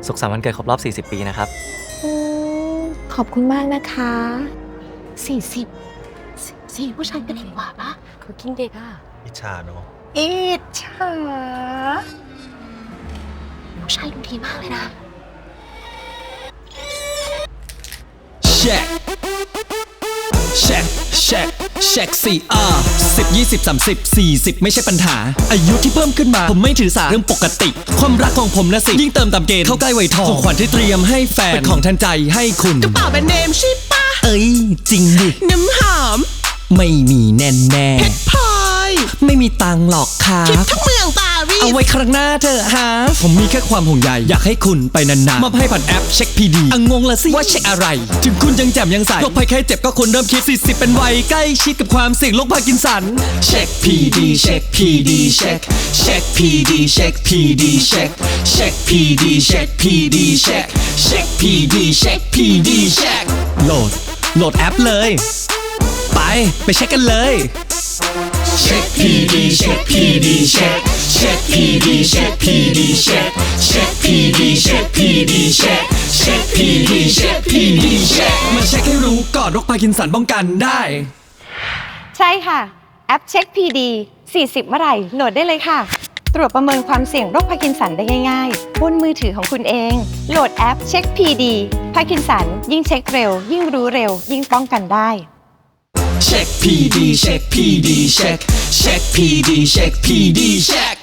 สุขสันต์วันเกิดครบรอบ 40 ปีนะครับขอบคุณมากนะคะ40ผู้ชายก็เด็กกว่าปะเขากินเด็กอ่ะอิจฉาเนาะอิจฉาผู้ชายดูดีมากเลยนะแช็คแช็คแช็คแช็ค10 20 30 40ไม่ใช่ปัญหาอายุที่เพิ่มขึ้นมาผมไม่ถือสาเรื่องปกติความรักของผมนะสิยิ่งเติมตามเกณฑ์เข้าใกล้วัยทองของขวัญที่เตรียมให้แฟนเป็นของทันใจให้คุณกระเป๋าแบรนด์เนมใช่ปะเอ้ยจริงดิน้ำหอมไม่มีแน่แน่เพชรพลอยไม่มีตังหรอกครับคิดทั้งเมืองปารีสเอาไว้ครั้งหน้าเธอฮะผมมีแค่ความห่วงใยอยากให้คุณไปนานๆมอบให้ผ่านแอปเช็คพีดีงงละสิว่าเช็คอะไรถึงคุณยังแจ่มยังใสโรคภัยไข้เจ็บก็ควรเริ่มคิด40เป็นวัยใกล้ชิดกับความเสี่ยงโรคพาร์กินสันเช็คพีดีเช็คพีดีเช็คเช็คพีดีเช็คพีดีเช็คเช็คพีดีเช็คพีดีเช็คเช็คพีดีเช็คพีดีเช็คโหลดแอปเลยไปเช็คกันเลยเช็คพีดีเช็คพีดีเช็คเช็คพีดีเช็คพีดีเช็คเช็คพีดีเช็คพีดีเช็คเช็คพีดีเช็คพีดีเช็คมาเช็คให้รู้ก่อนโรคพาร์กินสันป้องกันได้ใช่ค่ะแอปเช็ค PD 40เมื่อไหร่โหลดได้เลยค่ะตรวจประเมินความเสี่ยงโรคพาร์กินสันได้ง่ายๆบนมือถือของคุณเองโหลดแอปเช็ค PD พาร์กินสันยิ่งเช็คเร็วยิ่งรู้เร็วยิ่งป้องกันได้เช็ค PD เช็ค PD เช็คเช็ค PD เช็ค PD เช็ค